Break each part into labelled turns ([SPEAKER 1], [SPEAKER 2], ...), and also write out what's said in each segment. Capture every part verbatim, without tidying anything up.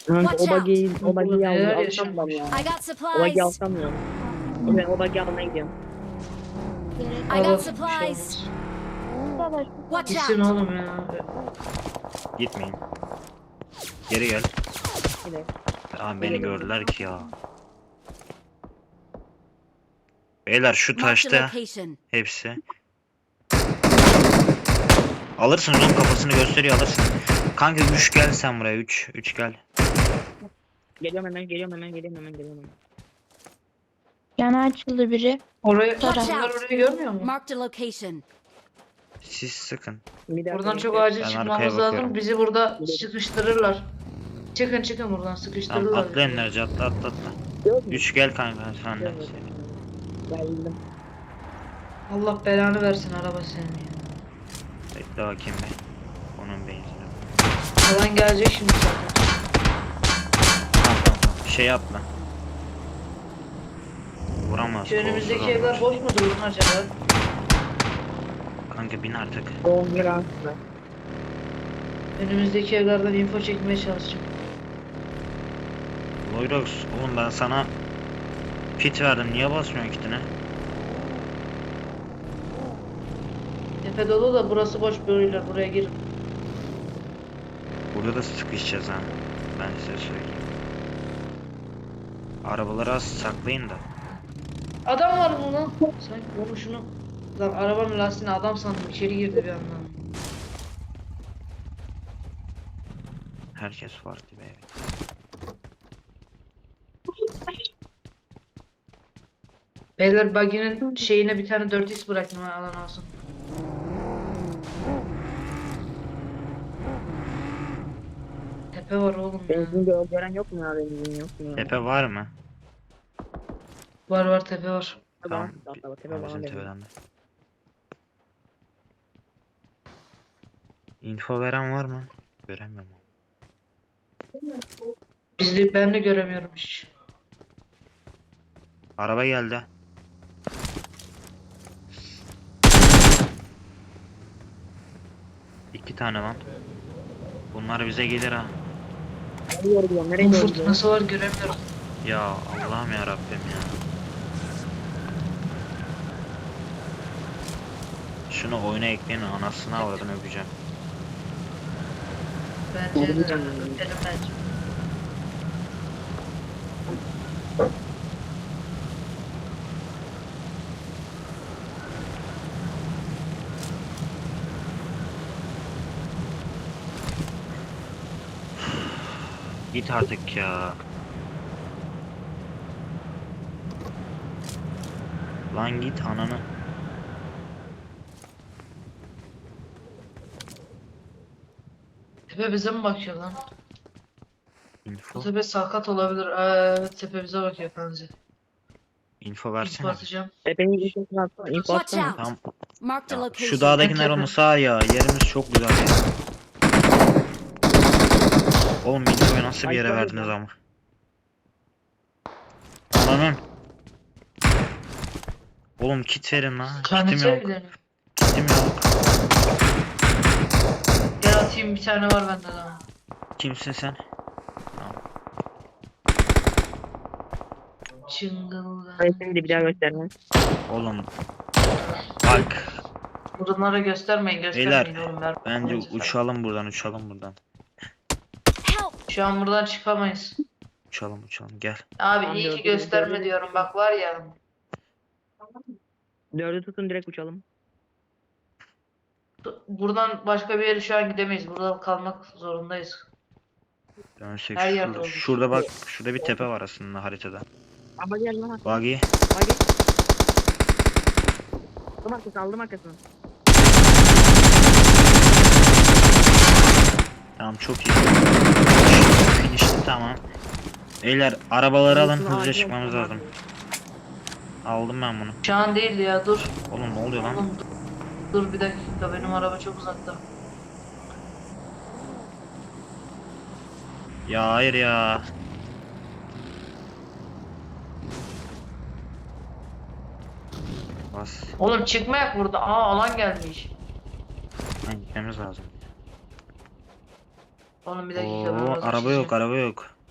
[SPEAKER 1] Kanka
[SPEAKER 2] Watch
[SPEAKER 1] o
[SPEAKER 2] out.
[SPEAKER 1] bagiyi, o bagiyi
[SPEAKER 3] Neler
[SPEAKER 1] al, alsam
[SPEAKER 3] yaşanmış.
[SPEAKER 1] ben ya.
[SPEAKER 2] I got
[SPEAKER 1] O bagiyi
[SPEAKER 2] supplies.
[SPEAKER 1] alsam ya. O ben o bagiyi almaya gidiyorum.
[SPEAKER 2] I
[SPEAKER 3] Al, al,
[SPEAKER 2] got
[SPEAKER 3] bir şey
[SPEAKER 2] supplies.
[SPEAKER 3] olmaz.
[SPEAKER 2] Watch
[SPEAKER 3] Gitsin
[SPEAKER 2] out.
[SPEAKER 3] oğlum ya.
[SPEAKER 4] Gitmeyin. Geri gel.
[SPEAKER 1] Yine.
[SPEAKER 4] Aa, beni gördüler ki ya. Beyler şu
[SPEAKER 2] Marked a
[SPEAKER 4] taşta
[SPEAKER 2] location.
[SPEAKER 4] hepsi. Alırsınız onun kafasını gösteriyor, alırsın. Kanka üç gel sen buraya, üç üç gel.
[SPEAKER 1] Geliyorum hemen, geliyorum hemen, geliyorum hemen, geliyorum hemen.
[SPEAKER 5] Yana açıldı biri.
[SPEAKER 3] Orayı,
[SPEAKER 2] Watch
[SPEAKER 3] bunlar
[SPEAKER 2] out.
[SPEAKER 3] orayı görmüyor mu?
[SPEAKER 2] Marked a location.
[SPEAKER 4] Siz sıkın.
[SPEAKER 1] Bir dakika
[SPEAKER 3] Buradan çok
[SPEAKER 1] bekle.
[SPEAKER 3] acil
[SPEAKER 4] Ben
[SPEAKER 3] çıkmamız
[SPEAKER 4] arkaya
[SPEAKER 3] lazım.
[SPEAKER 4] bakıyorum.
[SPEAKER 3] Bizi burada sıkıştırırlar. Çıkın çıkın buradan
[SPEAKER 4] Tamam,
[SPEAKER 3] sıkıştırırlar.
[SPEAKER 4] atla enerji, atla atla atla.
[SPEAKER 1] Yok mu?
[SPEAKER 4] üç gel kanka sen de.
[SPEAKER 1] Geldim.
[SPEAKER 3] Allah belanı versin araba senin ya.
[SPEAKER 4] Bekle bakayım be. Onun benzini.
[SPEAKER 3] Alan gelecek şimdi zaten.
[SPEAKER 4] Tamam tamam tamam. Şey yapma. Vuramaz.
[SPEAKER 3] Şu önümüzdeki
[SPEAKER 4] kolsuz
[SPEAKER 3] evler
[SPEAKER 4] olmaz.
[SPEAKER 3] boş mudur lan acaba?
[SPEAKER 4] Kanka bin artık.
[SPEAKER 1] Doğum günü aslında.
[SPEAKER 3] Önümüzdeki evlerden info çekmeye çalışacağım.
[SPEAKER 4] Loyrox oğlum ben sana kit verdim, niye basmıyorsun kitine?
[SPEAKER 3] Tepe dolu da burası boş böyle buraya girin.
[SPEAKER 4] Burada da sıkışacağız ha. Ben size söyleyeyim. Arabaları az saklayın da.
[SPEAKER 3] Adam var mı lan? Sanki onu şunu. Lan arabanın lastiğine adam sandım içeri girdi bir anda.
[SPEAKER 4] Herkes farklı be.
[SPEAKER 3] Beyler buggy'nin şeyine bir tane dört x bıraktım ha alan alsın. Tepe var oğlum ya.
[SPEAKER 1] Benzin gö- gören yok mu ya, benzin yok mu ya?
[SPEAKER 4] Tepe var mı?
[SPEAKER 3] Var var tepe var.
[SPEAKER 4] Tamam.
[SPEAKER 1] Tamam. Tamam.
[SPEAKER 4] Tamam,
[SPEAKER 1] Tamam.
[SPEAKER 4] bizim
[SPEAKER 1] Tamam.
[SPEAKER 4] tepeden de. Info veren var mı? Göremiyorum.
[SPEAKER 3] Bizde ben de göremiyorum hiç.
[SPEAKER 4] Araba geldi. İki tane lan. Bunlar bize gelir ha.
[SPEAKER 1] Nereye doğru gidiyorum? Nereye
[SPEAKER 3] Bu
[SPEAKER 1] doğru gidiyorum?
[SPEAKER 3] fırtınası var göremiyorum.
[SPEAKER 4] Ya Allah'ım ya Rabbim ya. Şunu oyuna ekleyin, anasını avradını öpeceğim.
[SPEAKER 3] Bence de öpelim bence.
[SPEAKER 4] Git artık ya. Lan git ananı.
[SPEAKER 3] Tepe bize mi bakıyor lan?
[SPEAKER 4] Info.
[SPEAKER 3] Bu tepe sakat olabilir. Aa, evet tepe bize bakıyor bence.
[SPEAKER 4] Info
[SPEAKER 3] İlk
[SPEAKER 4] versene.
[SPEAKER 3] atacağım.
[SPEAKER 1] Tepenin infosunu atsana. Info
[SPEAKER 2] Watch
[SPEAKER 1] atsana.
[SPEAKER 2] out.
[SPEAKER 4] Tamam.
[SPEAKER 2] Marked a
[SPEAKER 4] Ya,
[SPEAKER 2] location.
[SPEAKER 4] şu dağdakiler onu sağ ya. Yerimiz çok güzel ya. Oğlum infoyu nasıl bir yere
[SPEAKER 1] Ay,
[SPEAKER 4] verdiniz
[SPEAKER 1] tabii.
[SPEAKER 4] ama. Ananın. Oğlum kit verin lan. Kitim
[SPEAKER 3] Kanıtı
[SPEAKER 4] yok.
[SPEAKER 3] evlerini.
[SPEAKER 4] Kitim yok.
[SPEAKER 3] Gel atayım bir tane var bende daha.
[SPEAKER 4] Kimsin sen?
[SPEAKER 3] Çıngıldan.
[SPEAKER 1] Ben seni de bir daha göstermem.
[SPEAKER 4] Oğlum. Bak.
[SPEAKER 3] Bunlara göstermeyin göstermeyin
[SPEAKER 4] Beyler,
[SPEAKER 3] oğlum. Ver.
[SPEAKER 4] Bence uçalım buradan, uçalım buradan.
[SPEAKER 2] Help.
[SPEAKER 3] Şu an buradan çıkamayız.
[SPEAKER 4] Uçalım uçalım gel.
[SPEAKER 3] Abi
[SPEAKER 1] Tamam,
[SPEAKER 3] iyi ki
[SPEAKER 1] gördüm,
[SPEAKER 3] gösterme
[SPEAKER 1] gördüm.
[SPEAKER 3] diyorum bak var ya.
[SPEAKER 1] Dördü tutun, direkt uçalım.
[SPEAKER 3] Buradan başka bir yere şu an gidemeyiz. Burada kalmak zorundayız.
[SPEAKER 4] Dönsek
[SPEAKER 3] Her yerde
[SPEAKER 4] şurada,
[SPEAKER 3] olur.
[SPEAKER 4] şurada bak, şurada bir tepe var aslında haritada.
[SPEAKER 1] Ama gel lan.
[SPEAKER 4] Buggy.
[SPEAKER 1] Hadi. Aldım arkasını, aldım arkasını.
[SPEAKER 4] Tamam çok iyi. Finishti tamam. Beyler arabaları alın,
[SPEAKER 1] Bunu
[SPEAKER 4] hızlıca
[SPEAKER 1] acil
[SPEAKER 4] çıkmamız
[SPEAKER 1] almam
[SPEAKER 4] lazım. Aldım ben bunu.
[SPEAKER 3] Şu an değil ya dur.
[SPEAKER 4] Oğlum ne oluyor lan?
[SPEAKER 3] Oğlum dur. Dur bir dakika benim araba çok uzakta.
[SPEAKER 4] Ya hayır ya. Bas.
[SPEAKER 3] Oğlum çıkmayak burada. Aa alan gelmiş.
[SPEAKER 4] Lan gitmemiz lazım.
[SPEAKER 3] Oğlum bir dakika. ben
[SPEAKER 4] Oo,
[SPEAKER 3] biraz
[SPEAKER 4] araba
[SPEAKER 3] açacağım.
[SPEAKER 4] yok, araba yok.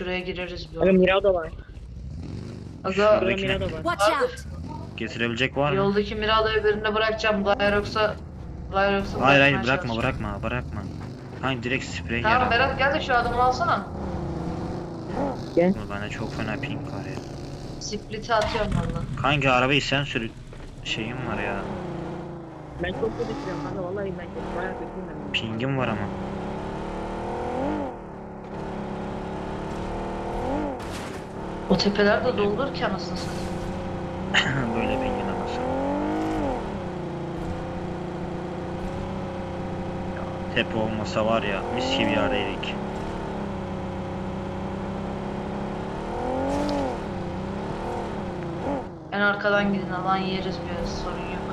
[SPEAKER 3] Şuraya gireriz bir
[SPEAKER 1] Aga
[SPEAKER 3] ara.
[SPEAKER 1] Mirado var.
[SPEAKER 3] Aga
[SPEAKER 1] Burada
[SPEAKER 4] Şuradaki-
[SPEAKER 1] Mirado var.
[SPEAKER 2] Watch out!
[SPEAKER 4] Getirebilecek var mı?
[SPEAKER 3] yoldaki Mirado'yu birine bırakacağım. Lyrox'a Lyrox'a
[SPEAKER 4] Hayır hayır
[SPEAKER 3] bırakmaya
[SPEAKER 4] bırakma
[SPEAKER 3] çalışacağım.
[SPEAKER 4] bırakma bırakma. Hayır direkt sprey
[SPEAKER 3] Tamam
[SPEAKER 4] yer.
[SPEAKER 3] Berat gel de şu adamı alsana.
[SPEAKER 4] Bende çok fena ping var ya.
[SPEAKER 3] Split'i atıyorum valla.
[SPEAKER 4] Kanka arabayı sen sür şeyim var ya.
[SPEAKER 1] Ben çok kötü sürüyorum kanka vallahi ben çok bayağı kötüyüm ben.
[SPEAKER 4] Pingim var ama.
[SPEAKER 3] O tepeler de doldur ki anasını satayım.
[SPEAKER 4] Böyle pingin anasını. Ya, tepe olmasa var ya mis gibi yerdeydik.
[SPEAKER 3] En arkadan gidin alan yeriz biraz sorun yok.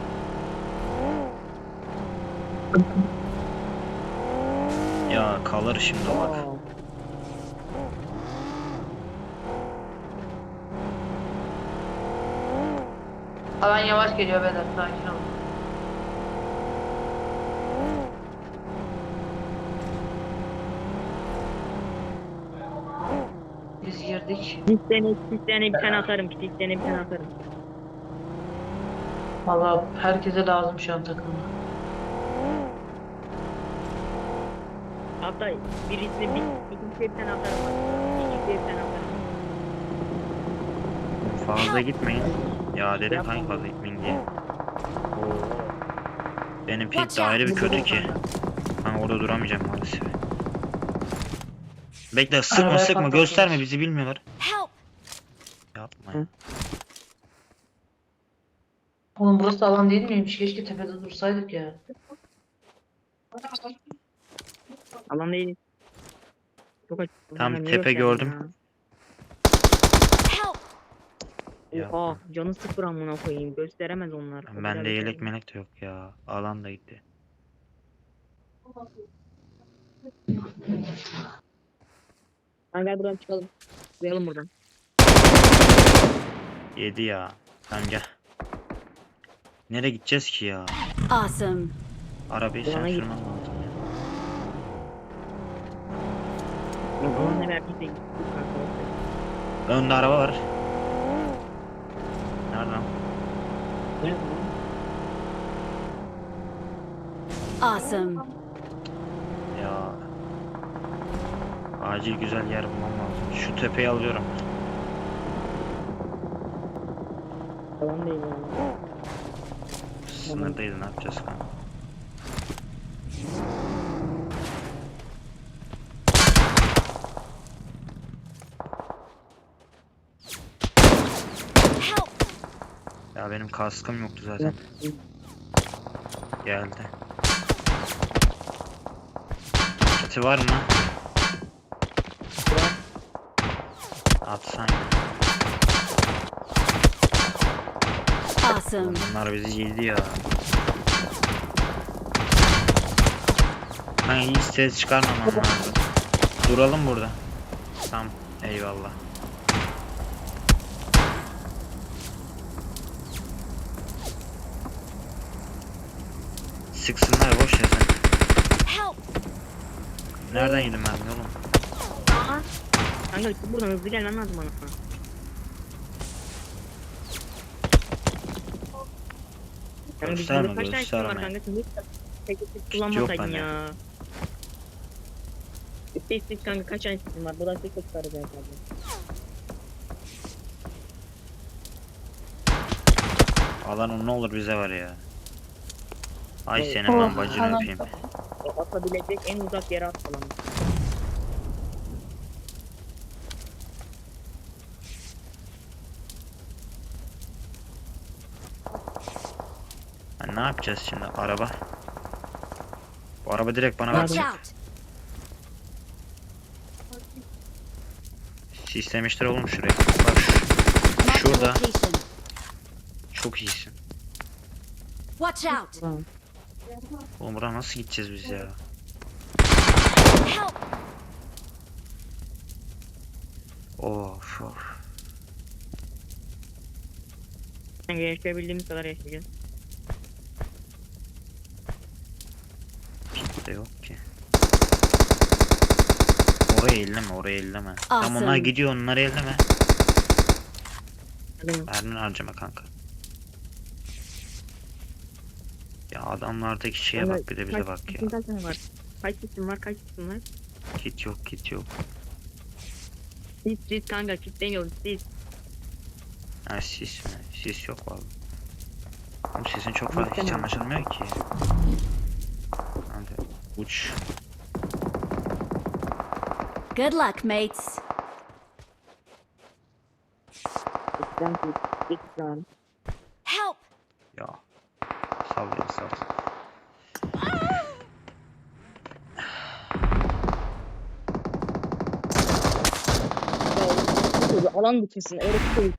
[SPEAKER 4] Ya kalır şimdi o bak.
[SPEAKER 1] Aa,
[SPEAKER 3] Alan yavaş geliyor beyler sakin olun. Biz girdik.
[SPEAKER 1] Bir tane, bir tane bir tane atarım. Bir tane bir tane atarım.
[SPEAKER 3] Valla herkese lazım şu an takımda.
[SPEAKER 1] Hatta birisini bir, ikinciye bir tane atarım. İkinciye bir tane atarım.
[SPEAKER 4] Fazla gitmeyin. Ya dedim kanka fazla gitmeyin diye. Benim ping de ayrı bir kötü ki. Ben orada duramayacağım maalesef. Bekle sıkma
[SPEAKER 3] Arabaya
[SPEAKER 4] sıkma
[SPEAKER 3] patlatıyoruz.
[SPEAKER 4] gösterme bizi bilmiyorlar.
[SPEAKER 2] Help!
[SPEAKER 4] Yapma ya.
[SPEAKER 1] Hı.
[SPEAKER 3] Oğlum burası alan değil miymiş? Keşke tepede dursaydık ya.
[SPEAKER 1] Alan değil. Çok açık.
[SPEAKER 4] Tam
[SPEAKER 1] Hemen
[SPEAKER 4] tepe
[SPEAKER 1] yürüyorsun
[SPEAKER 4] gördüm.
[SPEAKER 1] ya.
[SPEAKER 2] Help!
[SPEAKER 4] Yapma.
[SPEAKER 1] Oha canı sıfır amına koyayım. Gösteremez onlar. O kadar
[SPEAKER 4] Bende
[SPEAKER 1] bir
[SPEAKER 4] yelek
[SPEAKER 1] şey.
[SPEAKER 4] melek de yok ya. Alan da gitti.
[SPEAKER 1] Lan gel buradan çıkalım. Çıkalım buradan.
[SPEAKER 4] Yedi ya. Tamam gel. Nereye gideceğiz ki ya?
[SPEAKER 2] Awesome!
[SPEAKER 4] Arabayı sen
[SPEAKER 1] Alana git.
[SPEAKER 4] sürmen lazım ya.
[SPEAKER 1] Yok alan ne verdiyse gittik kanka.
[SPEAKER 4] Önde araba var. Nereden?
[SPEAKER 1] Ne?
[SPEAKER 2] Awesome!
[SPEAKER 4] Ya. Acil güzel yer bulmam lazım. Şu tepeyi alıyorum.
[SPEAKER 1] Alan değil yani.
[SPEAKER 4] Sınırdaydı ne yapacağız kanka?
[SPEAKER 2] Help!
[SPEAKER 4] Ya benim kaskım yoktu zaten. Geldi. Kiti var mı? Atsan.
[SPEAKER 2] Awesome!
[SPEAKER 4] Bunlar bizi yedi ya. Ben hiç ses çıkarmamam lazım. Duralım burada. Tamam. Eyvallah. Sıksınlar boş ya sen.
[SPEAKER 2] Help!
[SPEAKER 4] Nereden yedim ben oğlum?
[SPEAKER 1] Aa. Kanka çık buradan hızlı gelmen lazım bana. Kanka
[SPEAKER 4] Gösterme,
[SPEAKER 1] bizde kaç tane kill var
[SPEAKER 4] gösterme.
[SPEAKER 1] kanka? Sen hiç tek tek
[SPEAKER 4] yok
[SPEAKER 1] kullanmasaydın
[SPEAKER 4] bende.
[SPEAKER 1] ya. İşte işte kanka kaç tane kill var? Buradan tek tek saracağız abi.
[SPEAKER 4] Alan ne olur bize var ya. Ay
[SPEAKER 1] Evet.
[SPEAKER 4] senin ben
[SPEAKER 5] Oh,
[SPEAKER 4] bacını
[SPEAKER 5] alan.
[SPEAKER 4] öpeyim.
[SPEAKER 1] O atabilecek en uzak yere at falan.
[SPEAKER 4] Ha, ne yapacağız şimdi? Araba. Bu araba direkt bana
[SPEAKER 2] Watch
[SPEAKER 4] bakacak.
[SPEAKER 2] out!
[SPEAKER 4] Sistemiştir oğlum şuraya. Bak şu-
[SPEAKER 2] Mark the
[SPEAKER 4] şurada.
[SPEAKER 2] location.
[SPEAKER 4] Çok iyisin.
[SPEAKER 2] Watch out!
[SPEAKER 1] Tamam.
[SPEAKER 4] Oğlum buraya nasıl gideceğiz biz ya?
[SPEAKER 2] Help!
[SPEAKER 4] Of of.
[SPEAKER 1] Kanka yaşayabildiğimiz kadar yaşayacağız.
[SPEAKER 4] Pit de yok ki. oraya elleme, oraya elleme. Tam onlar
[SPEAKER 2] Awesome.
[SPEAKER 4] gidiyor, onları elleme.
[SPEAKER 1] Hadi.
[SPEAKER 4] Mermini harcama kanka. Ya adamlardaki şeye bak, bir de bize bak ya.
[SPEAKER 1] Kaç tane var? Kaç isim var? Kaç isim var?
[SPEAKER 4] Kit yok, kit yok.
[SPEAKER 1] Sis sis kanka kit demiyoruz sis.
[SPEAKER 4] Ha sis mi? Sis yok vallahi. Oğlum sesin çok fazla hiç
[SPEAKER 1] Muhtemelen.
[SPEAKER 4] anlaşılmıyor ki. Hadi uç.
[SPEAKER 2] Good luck, mates.
[SPEAKER 1] Sistem sis. Sis lan.
[SPEAKER 2] Help!
[SPEAKER 4] Ya. Sal ya sal.
[SPEAKER 1] Alan dışısın. Öyle